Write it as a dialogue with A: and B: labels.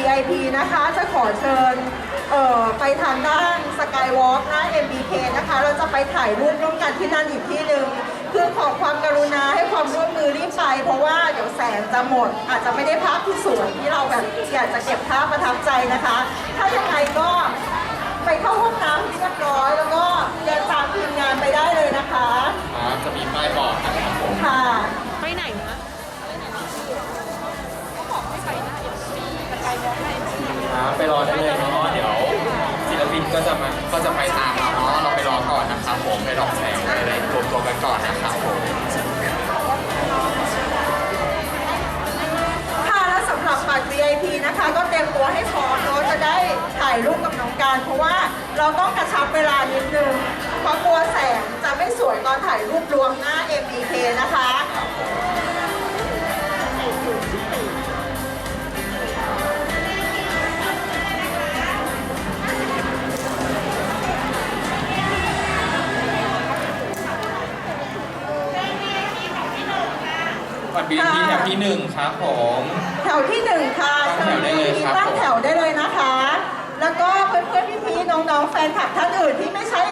A: VIP นะคะจะขอเชิญไปทางด้านสกายวอล์กหน้า MBK นะคะเราจะไปถ่ายรูปร่วมกันที่นั่นอีกที่หนึ่งคือขอความกรุณาให้ความร่วมมือรีบไปเพราะว่าเดี๋ยวแสงจะหมดอาจจะไม่ได้ภาพที่สวยที่เราแบบอยากจะเก็บภาพประทับใจนะคะ ถ้ายังไงก็ไปเข้าห้องน้ำที่เรียบร้อยแล้วก็เดินตามทีมงานไปได้เลยนะคะ
B: จะมีป้ายบอกนะครับผม
A: ค่ะ
C: ไปไหนนะเขาบอกให้ไปหน้าจะไปมองไหน
B: ไปรอได้เลยเนาะเดี๋ยวศิลปินก็จะไปตามเราเนาะเราไปรอก่อนนะครับผมไปรอแสงไปอะไรรวมตัวกันก่อนนะครับผม
A: ค่ะและสำหรับบัตร VIP นะคะก็เตรียมตัวให้พร้อมเนาะจะได้ถ่ายรูปกับน้องการเพราะว่าเราต้องกระชับเวลานิดนึงเพราะกลัวแสงจะไม่สวยตอนถ่ายรูปรวมหน้า MBK นะคะ
B: บัตร VIP แถวที่1ครับผม
A: แถวที่1ค่ะ
B: ตั้งแถวได้เลยครับ
A: ตั้งแถวได้เลยนะคะแล้วก็เพื่อนๆพี่ๆน้องๆแฟนคลับท่านอื่นที่ไม่ใช่